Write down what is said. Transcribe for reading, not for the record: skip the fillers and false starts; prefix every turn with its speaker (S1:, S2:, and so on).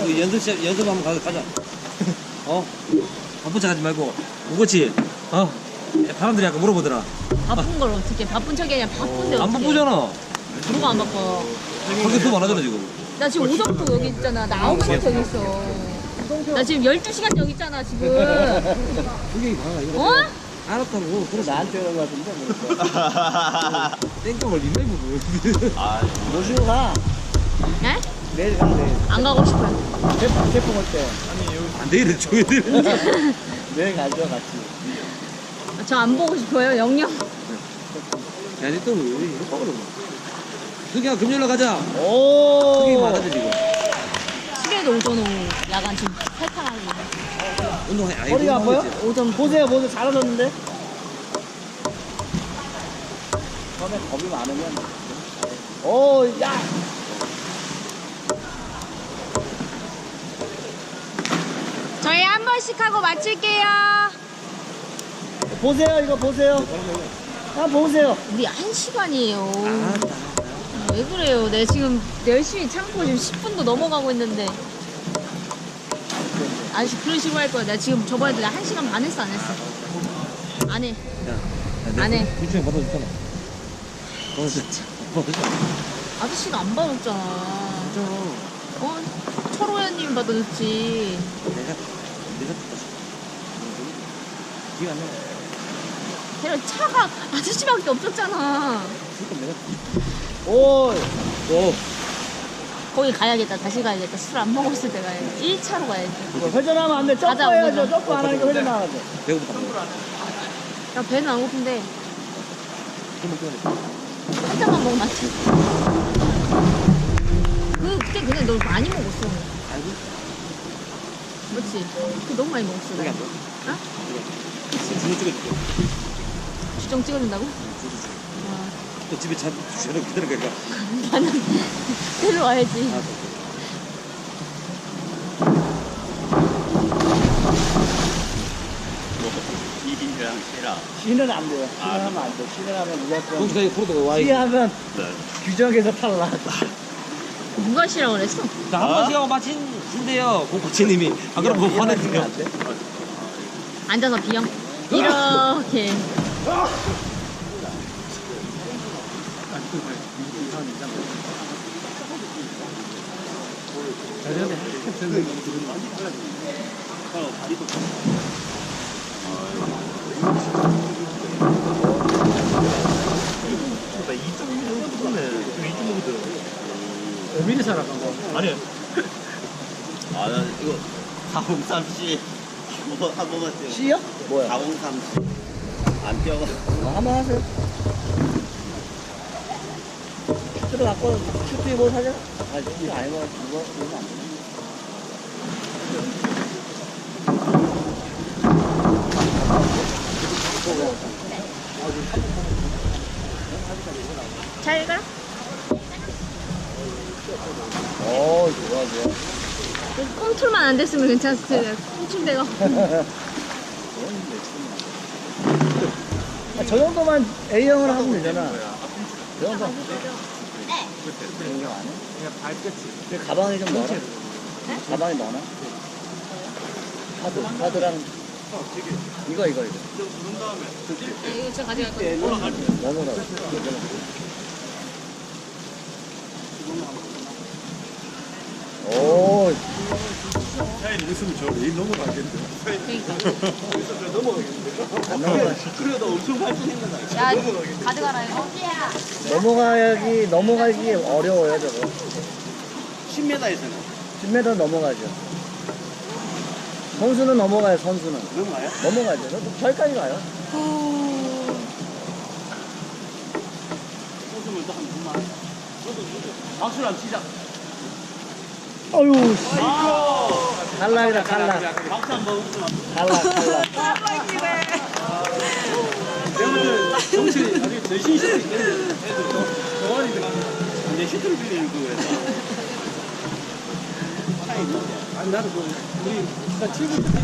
S1: 그 연습 한번 가자. 바쁜 척 하지 말고. 오겠지? 사람들이 아까 물어보더라.
S2: 바쁜 걸 어떻게? 바쁜 척이 아니라 바쁜데
S1: 안
S2: 어떻게?
S1: 바쁘잖아.
S2: 누가 안 바빠?
S1: 거기 돈 많아잖아, 지금.
S2: 나 지금 오정도 여기 있잖아. 나 9시간 저기 있어. 나 지금 12시간 여기 있잖아, 지금.
S1: 그게 많아, 이거.
S2: 어?
S1: 알았다고. 그래서
S3: 나한테 오는 거 같은데.
S1: 땡깡을 리메이 보고.
S3: 모시고 가.
S2: 네?
S3: 내일 가, 내일.
S2: 안 가고 싶어요.
S3: 태풍 올 때.
S1: 안 돼, 이래, 줘야 돼.
S3: 내일 가죠, 같이.
S2: 저 안 보고 싶어요, 영영.
S1: 야, 이제 또, 왜 이렇게 빠그러 그냥 금요일날 가자.
S3: 오!
S1: 그게 많아져, 지금.
S2: 수요일도 오전 오후 야간 지금 탈탈하고.
S1: 운동해. 아이고,
S3: 허리가 아파요?
S1: 운동했지.
S2: 오전
S3: 보세요, 잘하셨는데? 처음에 겁이 많으면. 오, 야!
S2: 저희 한 번씩 하고 마칠게요.
S3: 보세요, 이거 보세요. 보세요.
S2: 우리 1시간이에요.
S1: 알았다.
S2: 왜 그래요? 내 지금 열심히 참고 지금 10분도 넘어가고 있는데. 아저씨 그런 식으로 할 거야. 나 지금 저번에도 나 1시간 반 했어, 안 했어? 안 해. 안 해.
S1: 일주일에 받아줬잖아. 진짜.
S2: 아저씨가 안 받았잖아.
S1: 맞아.
S2: 철호연님 받아줬지.
S1: 내가 받아줘. 기가 안 나.
S2: 걔는 차가 아저씨밖에 없었잖아.
S1: 그러니까 내가
S3: 오!
S2: 거기 가야겠다. 다시 가야겠다. 술 안 먹었을 때 가야지. 1차로 가야지.
S3: 회전하면 안 돼. 점프
S2: 가자,
S3: 해야죠.
S2: 오늘.
S3: 점프 안 하니까 회전하면 돼.
S1: 배고프다.
S2: 야, 배는 안 고픈데.
S1: 그러면 또
S2: 한 잔만 먹으면 맞지? 그때 그냥 너 많이 먹었어.
S1: 알고?
S2: 그렇지? 그 너무 많이 먹었어.
S1: 여기
S2: 나.
S1: 안 돼.
S2: 어?
S1: 주소 찍어줄게.
S2: 주정 찍어준다고?
S1: 주소 줘.
S2: 와.
S1: 또 집에 차 주차를 기다리니까.
S2: 나는 데려와야지.
S4: 이빈이랑 씨랑
S3: 쉬는 안 돼요. 쉬는 하면 안 돼. 쉬는 하면 무조건.
S1: 거기까지 프로도가 와 있어.
S3: 쉬하면 규정에서 탈락.
S2: 누가 싫어 그랬어?
S1: 한 번씩 하고 마친대요. 고코치님이. 안 그러면 뭐 화내세요.
S3: 안 돼?
S2: 앉아서 비영. 이렇게.
S3: 미리 살아간 거.
S4: 아니 난 이거 403C 뭐 한 번만 뛰어
S3: C요? 뭐야?
S4: 403C 안 뛰어가
S3: 한번 하세요. 슈트를 갖고 슈트 입어 사자. 슈트 아니고 이거 안 돼.
S2: 잘 가.
S3: 오, 좋아, 좋아.
S2: 컨트롤만 안 됐으면 괜찮았을 텐데. 컨트롤대가.
S3: 저 정도만 A형을 하면 되잖아. 저 정도. A형 안 해? 그냥 발끝이. 가방에 좀 넣어라. 가방에 넣어놔. 카드랑. 이거.
S2: 이거 제가 가져갈 거예요.
S3: 넣어놓으라고. 오,
S4: 차에 있으면 저 레인 넘어가겠는데
S2: 그러니까.
S3: 안 넘어가.
S4: 그래도 엄청 발전했는데
S2: 야, 가져가라 이거.
S3: 넘어가기 어려워요, 저거.
S4: 10m에서는
S3: 10m 넘어가죠. 선수는 넘어가요, 선수는.
S4: 넘어가요?
S3: 넘어가죠. 저기까지 가요.
S4: 웃으면 또한 분만 박수를 안 치자
S3: 어휴, 씨. 탈락이다, 탈락.
S4: 박수 한번 웃으면
S3: 탈락.
S4: 정신이 아주 전신이 슈트 있겠는데 동아리 이제 슈트를 빌리는 거에서 차이 있는데
S1: 아니, 나도 우리, 나 친구